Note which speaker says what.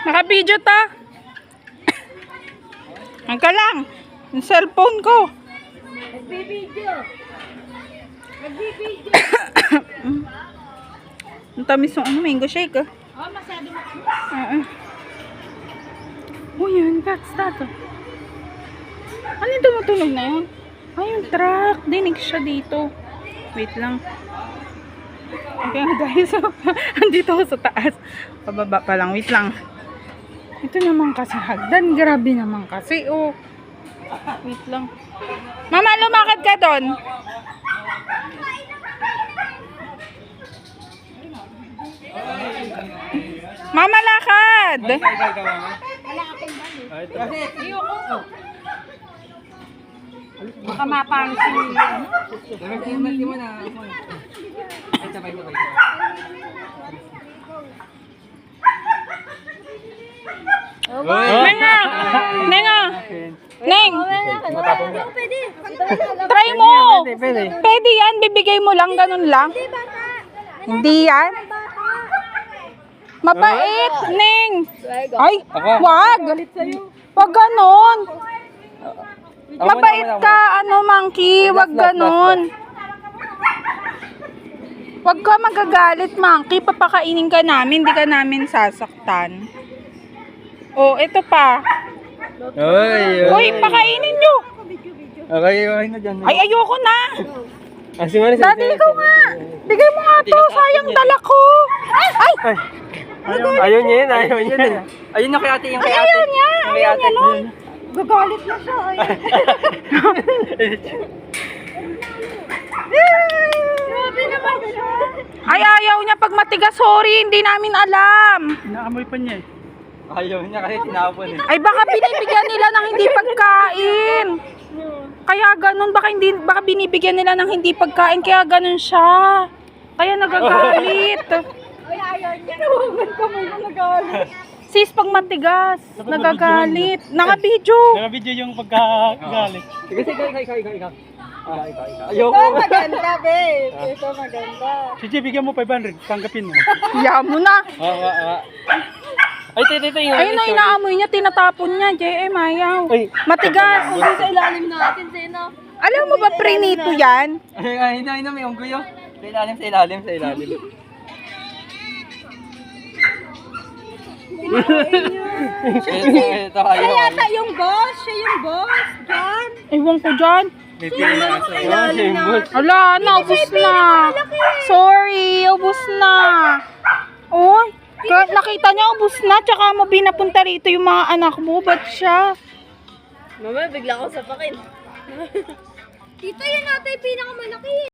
Speaker 1: Naka-video ta. Ang ka lang. Yung cellphone ko.
Speaker 2: Nagbibideo. Nagbibideo.
Speaker 1: Ang tamis ng mango shake ah.
Speaker 2: Oh, masyado mo.
Speaker 1: Oh, yan. That's that. Ano yung tumutunog na yun? Ay, yung truck. Dinig siya dito. Wait lang. Okay guys. Andito ako sa taas. Pababa pa lang. Wait lang. Ito naman kasi hagdan. Grabe naman kasi. Oh. Wait lang. Mama, lumakad ka doon. Mama, lakad.
Speaker 2: Wala akong balo. Ayoko. Baka mapansin nila.
Speaker 1: Nenga! Nenga! Neng!
Speaker 2: Pwede.
Speaker 1: Try mo! Pwede yan. Bibigay mo lang. Ganun lang. Hindi yan. Mabait, Neng. Ay, wag. Wag ganun. Mabait ka, Monkey. Wag ganun. Wag ka magagalit, Monkey. Papakainin ka namin. Hindi ka namin sasaktan. Oh, ito pa. Uy, pakainin nyo.
Speaker 3: Okay na dyan.
Speaker 1: Ay, ayoko na. Daddy, ikaw nga. Bigay mo nga to. Sayang dala ko. Ay!
Speaker 3: Ayaw niya yun, ayaw niya yun. Ayun yung kay ate, yung kay ate.
Speaker 1: Ayaw niya. Ayaw niya nun.
Speaker 2: Gagalit na siya. Grabe naman siya.
Speaker 1: Ay, ayaw niya pag matigas. Sorry, hindi namin alam.
Speaker 3: Inaamoy pa niya eh. Ayaw niya kasi tinapon eh.
Speaker 1: Ay, baka binibigyan nila ng hindi pagkain. Kaya ganun, baka binibigyan nila ng hindi pagkain, kaya ganun siya. Kaya nagagalit.
Speaker 2: Ay, ayaw niya. Nawagan ka mo yung nagalit.
Speaker 1: Sis, pag matigas, nagagalit. Naka-video.
Speaker 3: Naka-video yung pagkagalit. Sige, ikaw. Ayaw
Speaker 2: Ito
Speaker 3: ko.
Speaker 2: maganda, babe. Ito maganda.
Speaker 3: Sige, bigyan mo 500. Tanggapin mo.
Speaker 1: Hiya mo na.
Speaker 3: Ay, tito yung...
Speaker 1: Ayun na, inaamoy niya, tinatapon niya. JM, ayaw.
Speaker 3: Ay.
Speaker 1: Matigas.
Speaker 2: Hindi sa ilalim natin, Zeno.
Speaker 1: Alam mo ba, prinito yan?
Speaker 3: Ay, hindi, may unggoy yun. Sa ilalim. Ito, ayaw.
Speaker 2: Siya yata yung boss. Siya yung boss. John.
Speaker 1: Ewan ko dyan.
Speaker 2: Ilalim na.
Speaker 1: Ala, naubos na. Sorry, ubos na. Oy, nakita niya ubos na. Tsaka mo binapunta rito yung mga anak mo. Ba't siya?
Speaker 2: Mama, bigla ko sa pakin. Tito, yan natin yung pinakamalaki.